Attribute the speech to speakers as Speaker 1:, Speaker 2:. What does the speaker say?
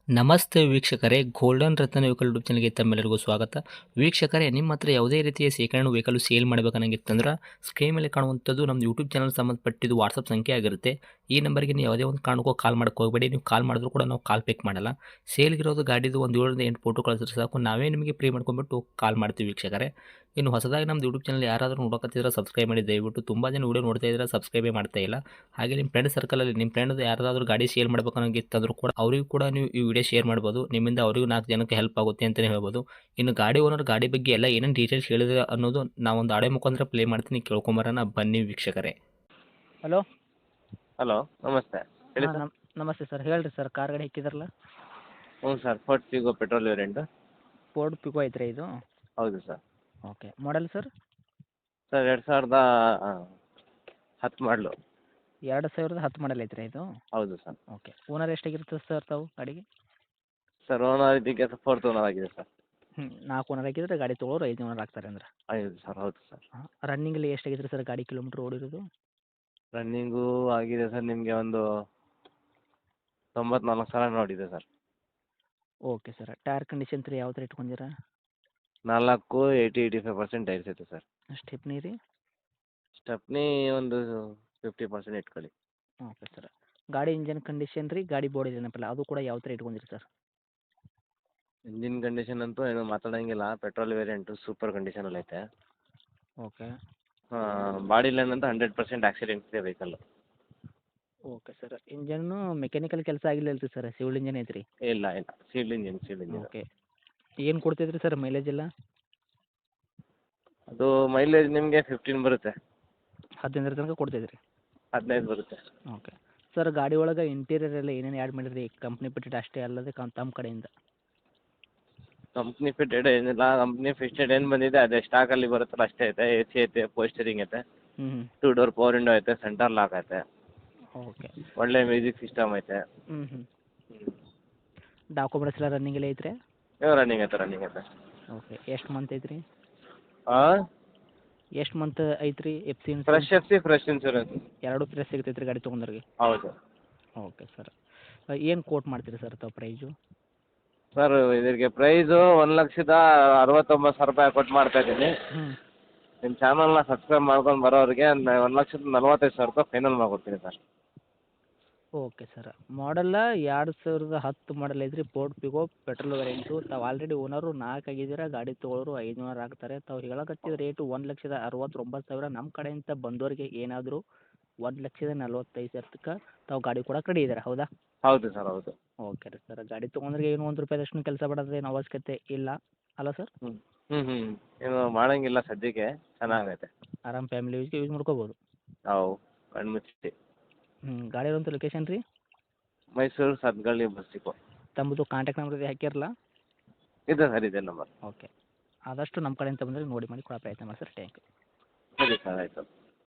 Speaker 1: ನಮಸ್ತೆ ವೀಕ್ಷಕರೇ, ಗೋಲ್ಡನ್ ರತ್ನ vehicle YouTube ಚಾನಲ್ಗೆ ತಮ್ಮೆಲ್ಲರಿಗೂ ಸ್ವಾಗತ. ವೀಕ್ಷಕರೇ, ನಿಮ್ಮ ಹತ್ರ ಯಾವುದೇ ರೀತಿಯ ಶೇಖರಣೆ ವೆಹಿಕಲ್ ಸೇಲ್ ಮಾಡಬೇಕನ್ನಂಗಿತ್ತಂದ್ರೆ ಸ್ಕ್ರೀನ್ ಮೇಲೆ ಕಾಣುವಂಥದ್ದು ನಮ್ಮ ಯೂಟ್ಯೂಬ್ ಚಾನಲ್ ಸಂಬಂಧಪಟ್ಟಿದ್ದು ವಾಟ್ಸಪ್ ಸಂಖ್ಯೆ ಆಗಿರುತ್ತೆ. ಈ ನಂಬರ್ಗೆ ನೀವು ಯಾವುದೇ ಒಂದು ಕಾರಣಕ್ಕೂ ಕಾಲ್ ಮಾಡೋಕೆ ಹೋಗಬೇಡಿ. ನೀವು ಕಾಲ್ ಮಾಡಿದ್ರು ಕೂಡ ನಾವು ಕಾಲ್ ಪಿಕ್ ಮಾಡಲ್ಲ. ಸೇಲ್ಗಿರೋದು ಗಾಡಿದು ಒಂದು 7ರಿಂದ 8 ಫೋಟೋ ಕಳಿಸಿದ್ರೆ ಸಾಕು, ನಾವೇ ನಿಮಗೆ ಪ್ರೀ ಮಾಡ್ಕೊಂಡ್ಬಿಟ್ಟು ಕಾಲ್ ಮಾಡ್ತೀವಿ ವೀಕ್ಷಕರೇ. ಇನ್ನು ಹೊಸದಾಗಿ ನಮ್ಮದು ಯೂಟ್ಯೂಬ್ ಚಾನಲ್ ಯಾರಾದರೂ ನೋಡೋಕತ್ತಿದ್ರೆ ಸಬ್ಸ್ಕ್ರೈಬ್ ಮಾಡಿ ದಯವಿಟ್ಟು. ತುಂಬ ಜನ ವೀಡಿಯೋ ನೋಡ್ತಾ ಇದ್ದಾರೆ, ಸಬ್ಸ್ಕ್ರೈಬೇ ಮಾಡ್ತಾ ಇಲ್ಲ. ಹಾಗೆ ನಿಮ್ಮ ಫ್ರೆಂಡ್ ಸರ್ಕಲಲ್ಲಿ ನಿಮ್ಮ ಫ್ರೆಂಡ್ ಯಾರಾದರೂ ಗಾಡಿ ಸೇಲ್ ಮಾಡಬೇಕನ್ನೋಂಗಿತ್ತಂದ್ರೂ ಕೂಡ ಅವರಿಗೂ ಕೂಡ ನೀವು ಈ ವಿಡಿಯೋ ಶೇರ್ ಮಾಡ್ಬೋದು. ನಿಮ್ಮಿಂದ ಅವರಿಗೂ 4 ಜನಕ್ಕೆ ಹೆಲ್ಪ್ ಆಗುತ್ತೆ ಅಂತಲೇ ಹೇಳ್ಬೋದು. ಇನ್ನು ಗಾಡಿ ಓನರ್ ಗಾಡಿ ಬಗ್ಗೆ ಎಲ್ಲ ಏನೇನು ಡೀಟೇಲ್ಸ್ ಹೇಳಿದ್ರೆ ಅನ್ನೋದು ನಾವೊಂದು ಆಡಿಯೋ ಮುಖಾಂತರ ಪ್ಲೇ ಮಾಡ್ತೀನಿ, ಕೇಳ್ಕೊಂಬರೋಣ ಬನ್ನಿ ವೀಕ್ಷಕರೇ.
Speaker 2: ಹಲೋ.
Speaker 3: ಹಲೋ, ನಮಸ್ತೆ. ಹೇಳಿ
Speaker 2: ಹಾಂ,
Speaker 3: ಸರ್.
Speaker 2: ನಮಸ್ತೆ ಸರ್. ಹೇಳ್ರಿ ಸರ್, ಕಾರ್ ಗಾಡಿ ಹಾಕಿದ್ರಲ್ಲ.
Speaker 3: ಹ್ಞೂ sir, Ford Figo petrol variant.
Speaker 2: Ford Figo ಐತ್ರಿ ಇದು?
Speaker 3: ಹೌದು sir.
Speaker 2: Okay. Model sir?
Speaker 3: Sir 2010 model.
Speaker 2: 2010 model ಐತ್ರಿ ಇದು?
Speaker 3: ಹೌದು ಸರ್.
Speaker 2: ಓಕೆ. ಓನರ್ ಎಷ್ಟಾಗಿರ್ತದೆ ಸರ್ ತಾವು ಗಾಡಿಗೆ?
Speaker 3: ಸರ್ ಓನರ್ ಇದಕ್ಕೆ ಫೋರ್ತ್ ಓನರ್ ಆಗಿದೆ ಸರ್.
Speaker 2: 4 ಓನರ್ ಹಾಕಿದ್ರೆ ಗಾಡಿ ತೊಗೊಳೋರು 5 ಓನರ್ ಆಗ್ತಾರೆ ಅಂದ್ರೆ?
Speaker 3: ಹೌದು ಸರ್, ಹೌದು ಸರ್.
Speaker 2: ಹಾಂ. ರನ್ನಿಂಗಲ್ಲಿ ಎಷ್ಟಾಗಿದ್ರಿ ಸರ್ ಗಾಡಿ ಕಿಲೋಮೀಟ್ರ್ ಓಡಿರೋದು?
Speaker 3: ರನ್ನಿಂಗು ಆಗಿದೆ ಸರ್ ನಿಮಗೆ ಒಂದು 94,000 ನೋಡಿದೆ sir.
Speaker 2: Okay sir. Tyre condition ರೀ ಯಾವ ಥರ ಇಟ್ಕೊಂಡಿರಾ?
Speaker 3: 85% ಟೈರ್ಸ್ ಐತೆ ಸರ್.
Speaker 2: ಸ್ಟೆಪ್ನಿ ರೀ?
Speaker 3: ಸ್ಟೆಪ್ನಿ ಒಂದು 50% ಇಟ್ಕೊಳ್ಳಿ.
Speaker 2: Okay sir. ಗಾಡಿ ಇಂಜನ್ ಕಂಡೀಷನ್ ರೀ, ಗಾಡಿ ಬಾಡಿ ಏನಪ್ಪಲ್ಲ ಅದು ಕೂಡ ಯಾವ ಥರ ಇಟ್ಕೊಂಡಿರಿ ಸರ್?
Speaker 3: ಇಂಜಿನ್ ಕಂಡೀಷನ್ ಅಂತೂ ಏನು ಮಾತಾಡೋಂಗಿಲ್ಲ, ಪೆಟ್ರೋಲ್ ವೇರಿಯಂಟು ಸೂಪರ್ ಕಂಡೀಷನಲ್ಲಿ ಐತೆ.
Speaker 2: ಓಕೆ.
Speaker 3: ಬಾಡಿ ಲೈನ್ ಅಂತ 100% ಆಕ್ಸಿಡೆಂಟ್ ಇದೆ vehicle.
Speaker 2: Okay sir. Engine mechanical ಕೆಲಸ ಆಗಿಲ್ಲ ರೀ ಸರ್? ಸಿವಿಲ್ ಇಂಜನ್ ಐತ್ರಿ?
Speaker 3: ಇಲ್ಲ ಇಲ್ಲ, ಸೀಲ್ಡ್ ಇಂಜಿನ್.
Speaker 2: ಓಕೆ. ಏನು ಕೊಡ್ತೈತ್ರಿ ಸರ್ ಮೈಲೇಜ್ ಎಲ್ಲ?
Speaker 3: ಅದು ಮೈಲೇಜ್ ನಿಮಗೆ 15 ಬರುತ್ತೆ.
Speaker 2: 15 ತನಕ ಕೊಡ್ತೈತ್ರಿ?
Speaker 3: 15 ಬರುತ್ತೆ.
Speaker 2: ಓಕೆ. ಸರ್ ಗಾಡಿ ಒಳಗೆ ಇಂಟೀರಿಯರ್ ಎಲ್ಲ ಏನೇನು ಆ್ಯಡ್ ಮಾಡಿರಿ? ಕಂಪ್ನಿ ಬಿಟ್ಟಿದ್ದು ಅಷ್ಟೇ ಅಲ್ಲದೆ ತಮ್ಮ ಕಡೆಯಿಂದ?
Speaker 3: ಕಂಪ್ನಿ ಫಿಟೆಡ್ ಏನಿಲ್ಲ, ಕಂಪ್ನಿ ಫಿಟೆಡ್ ಏನು ಬಂದಿದೆ ಅದೇ ಸ್ಟಾಕಲ್ಲಿ ಬರುತ್ತಲ್ಲ ಅಷ್ಟೇ ಐತೆ. ಎ ಸಿ ಐತೆ, ಪೋಸ್ಟರಿಂಗ್ ಐತೆ,
Speaker 2: ಹ್ಞೂ
Speaker 3: 2 ಡೋರ್ ಪವರ್ ವಿಂಡೋ ಐತೆ, ಸೆಂಟರ್ ಲಾಕ್ ಐತೆ,
Speaker 2: ಓಕೆ.
Speaker 3: ಒಳ್ಳೆ ಮ್ಯೂಸಿಕ್ ಸಿಸ್ಟಮ್ ಐತೆ.
Speaker 2: ಹ್ಞೂ ಡಾಕ್ಯುಮೆಂಟ್ಸ್ ಎಲ್ಲ ರನ್ನಿಂಗ್ ಎಲ್ಲ ಐತ್ರಿ?
Speaker 3: ರನ್ನಿಂಗ್ ಐತೆ.
Speaker 2: ಓಕೆ. ಎಷ್ಟು ಮಂತ್ ಐತ್ರಿ?
Speaker 3: ಹಾಂ,
Speaker 2: ಎಷ್ಟು ಮಂತ್ ಐತ್ರಿ F C
Speaker 3: fresh F C, fresh insurance.
Speaker 2: ಎರಡು ಫ್ರೆಶ್ ಸಿಗ್ತೈತೆ ರೀ ಗಾಡಿ ತೊಗೊಂಡ್ರಿಗೆ?
Speaker 3: ಹೌದು.
Speaker 2: Okay sir. ಏನು ಕೋಟ್ ಮಾಡ್ತೀರಿ ಸರ್ ತಾವು ಪ್ರೈಸು?
Speaker 3: ಸರ್ ಇದಕ್ಕೆ ಪ್ರೈಸು 1,69,000 ಕೊಟ್ಟು ಮಾಡ್ತಾ ಇದ್ದೀನಿ.
Speaker 2: ಹ್ಞೂ.
Speaker 3: ನಿಮ್ಮ ಚಾನಲ್ನ ಸಬ್ಸ್ಕ್ರೈಬ್ ಮಾಡ್ಕೊಂಡು ಬರೋರಿಗೆ 1,45,000 ಫೈನಲ್ ಮಾಡ್ಕೊಡ್ತೀನಿ sir.
Speaker 2: Okay sir. Model 2010 model ಐತ್ರಿ, ಫೋರ್ಡ್ ಪಿಗೋ ಪೆಟ್ರೋಲ್ ವೇರಿಯಂಟು. ತಾವು ಆಲ್ರೆಡಿ ಓನರು 4 ಆಗಿದ್ದೀರ, ಗಾಡಿ ತೊಗೊಳೋರು 5 ಓನರ್ ಆಗ್ತಾರೆ. ತಾವು ಹೇಳಕತ್ತಿದ ರೇಟು 1,69,000. ನಮ್ಮ ಕಡೆಯಿಂದ ಬಂದೋರಿಗೆ ಏನಾದರೂ 1,45,000 ತಾವು ಗಾಡಿ ಕೊಡಕ್ಕೆ ರೆಡಿ ಇದ್ದೀರಾ, ಹೌದಾ?
Speaker 3: ಹೌದು ಸರ್, ಹೌದು.
Speaker 2: ಓಕೆ ರೀ ಸರ್. ಗಾಡಿ ತೊಗೊಂಡ್ರಿಗೆ ಏನು ₹1 ಕೆಲಸ ಮಾಡೋದೇನು ಅವಶ್ಯಕತೆ ಇಲ್ಲ ಅಲ್ಲ ಸರ್?
Speaker 3: ಏನು ಮಾಡೋಂಗಿಲ್ಲ ಸದ್ಯಕ್ಕೆ, ಚೆನ್ನಾಗೈತೆ.
Speaker 2: ಆರಾಮ್ ಫ್ಯಾಮಿಲಿ ಯೂಸ್ಗೆ ಯೂಸ್ ಮಾಡ್ಕೋಬೋದು.
Speaker 3: ಹೌದು, ಕಣ್ಮುಚ್ಚಿ.
Speaker 2: ಗಾಡಿ ಇರೋಂಥ ಲೊಕೇಶನ್ ರೀ?
Speaker 3: Mysuru Sathagalli bus depot.
Speaker 2: ತಮ್ಮದು ಕಾಂಟ್ಯಾಕ್ಟ್ ನಂಬರ್ ಹಾಕಿರಲ್ಲ?
Speaker 3: ಇದೆ ಸರ್, ಇದೆ ನಂಬರ್.
Speaker 2: ಓಕೆ. ಆದಷ್ಟು ನಮ್ಮ ಕಡೆಯಿಂದ ಬಂದರೆ ನೋಡಿ ಮಾಡಿ ಕೊಡೋ ಪ್ರಯತ್ನ ಮಾಡಿ ಸರ್. Thank you.
Speaker 3: ಸರಿ ಸರ್, ಆಯಿತು.